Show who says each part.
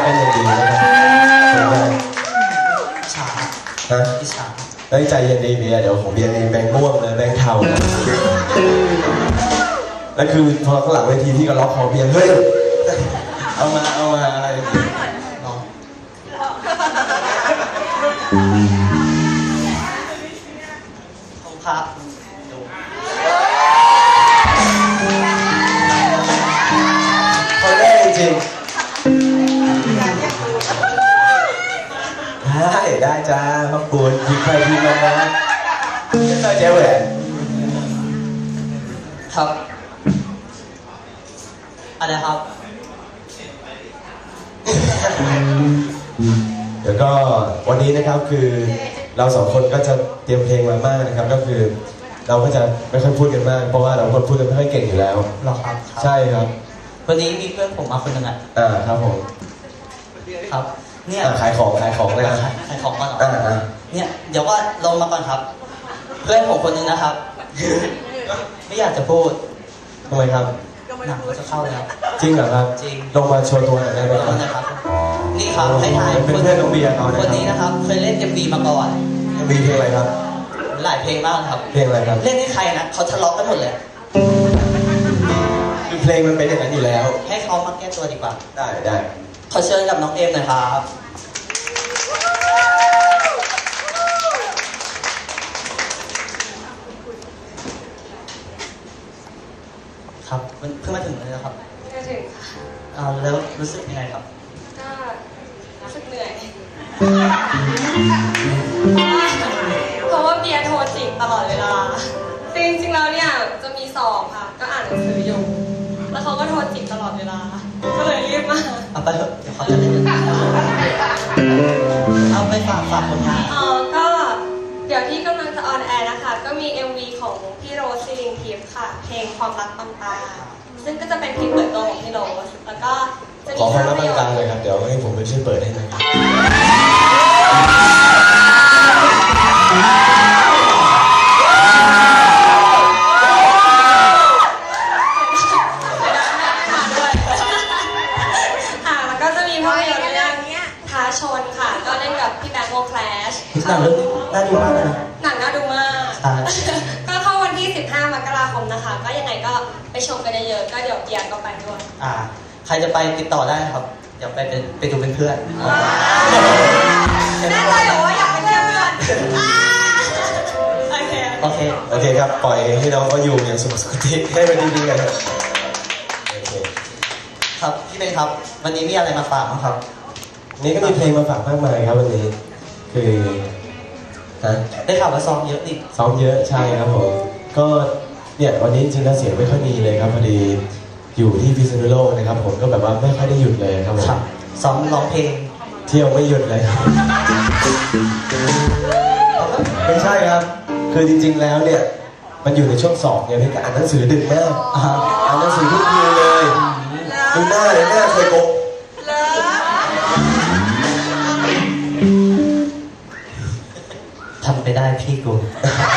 Speaker 1: กันอย่างดีนะครับ
Speaker 2: ฉา
Speaker 1: ฮะ
Speaker 2: อิจฉา
Speaker 1: เฮ้ยใจเย็นดีเบียร์เดี๋ยวผมเบียร์เองแบงค์ม่วงเลยแบงค์เทาเลยแล้วคือพอข้างหลังเวทีพี่ก็ล็อกคอเบียร์เฮ้ยเอามาอะไร
Speaker 2: น้องผมครับดู
Speaker 1: คนแรกจริงได้จ้าขอบคุณทีใครทีมันนะเจ้าเจ๊แหวน
Speaker 2: ครับอะไรครับ
Speaker 1: เดี๋ยวก็วันนี้นะครับคือเราสองคนก็จะเตรียมเพลงมามากนะครับก็คือเราก็จะไม่ค่อยพูดกันมากเพราะว่าเราคนพูดกันไม่ค่อยเก่งอยู่แล้ว
Speaker 2: หรอครับ
Speaker 1: ใช่ครับ
Speaker 2: วันนี้มีเพื่อนผมมาคนหนึ่ง
Speaker 1: ครับผม
Speaker 2: ครับเนี่ย
Speaker 1: ขายของเลยนะ
Speaker 2: ขายของก่อนเหรอเนี่ยเดี๋ยวว่าลงมาก่อนครับเพื่อนผมคนหนึ่งนะครับไม่อยากจะพูด
Speaker 1: ทำไมครับ
Speaker 2: หนังจะเข้าแล้ว
Speaker 1: จริงเหรอครับ
Speaker 2: จริง
Speaker 1: ลงมาโชว์ตัวหน่อยได้ไหม
Speaker 2: ครับนี่ครับให้ถ่าย
Speaker 1: เป็นเพื่อนน้องเบียร์เขา
Speaker 2: คนนี้นะครับเคยเล่นMVมาก่อน
Speaker 1: MVเพลงอะไรครับ
Speaker 2: หลายเพลงมากครับ
Speaker 1: เพลงอะไรครับ
Speaker 2: เล่นให้ใครนะเขาทะเลาะกันหมดเลย
Speaker 1: คือเพลงมันเป็นอย่างนั้นอยู่แล้ว
Speaker 2: ให้เขามาแก้ตัวดีกว่า
Speaker 1: ได้
Speaker 2: ขอเชิญกับน้องเอมหน่อยครับครับเพิ่งมาถึงเลยนะครับ
Speaker 3: มาถึงค่ะ
Speaker 2: แล้วรู้สึกยังไงครับ
Speaker 3: ก็รู้สึกเหนื่อยเพราะว่าเบียร์โทรจีบตลอดเวลาจริงๆแล้วเนี่ยจะมีสอบค่ะก็อ่านหนังสืออยู่แล้วเขาก็โทรจีบตลอดเวลาก็เลยรีบมา
Speaker 2: เอาไปเถอะเดี๋ยวเขาจะเล่นเอาไปฝากผลงาน
Speaker 3: ก็เดี๋ยวที่กำลังจะออนแอร์นะคะก็มี MV ของพี่โรสซิลิงทิพย์ค่ะเพลงความรักบางตาซึ่งก็จะเป็นเพลงเปิดตัวของพี่โรสแล้วก็จะมี
Speaker 1: ขอความรักบางตาเลยครับเดี๋ยวให้ผมไปช่วยเปิดให้หน่อย
Speaker 3: แล้วก็จะมีภาพยนตร์เรื่องท้าชนค่ะก็เล่นกับพี่แบงค์วงแคลช
Speaker 2: หนังเรื่องน่าดูมากเลย
Speaker 3: หนังน่าดูมากก็เข้าวันที่15 มกราคมนะคะก็ยังไงก็ไปชมกันเยอะๆก็เดี๋ยวเบียร์ก็ไปด้วย
Speaker 2: ใครจะไปติดต่อได้ครับเดี๋ยวไปดูเป็นเพื่อน
Speaker 3: แน่ใจเหรอว่าอยากเป็นเพื่อน
Speaker 2: โอเค
Speaker 1: ครับปล่อยให้น้องเขาอยู่อย่างสุขสุขติให้มันดีๆกัน
Speaker 2: ครับพี่เป็นครับวันนี้มีอะไรมาฝากมั้งครับ
Speaker 1: นี่ก็มีเพลงมาฝากมากมายครับวันนี้คือ
Speaker 2: ได้ข่าวว่าซ้อมเยอะดิ
Speaker 1: ซ้อมเยอะใช่ครับผมก็เนี่ยวันนี้จริงๆเสียงไม่ค่อยมีเลยครับพอดีอยู่ที่พิษณุโลกนะครับผมก็แบบว่าไม่ค่อยได้หยุดเลยครับผม
Speaker 2: ซ้อมร้องเพลง
Speaker 1: เที่ยวไม่หยุดเลยไม่ใช่ครับคือจริงๆแล้วเนี่ยมันอยู่ในช่วงสอบเนี่ยพี่ก็อ่านหนังสือดึกมากอ่านหนังสือทุกคืนเลยดูหน้าเคยโกะ
Speaker 2: ทำไปได้พี่กู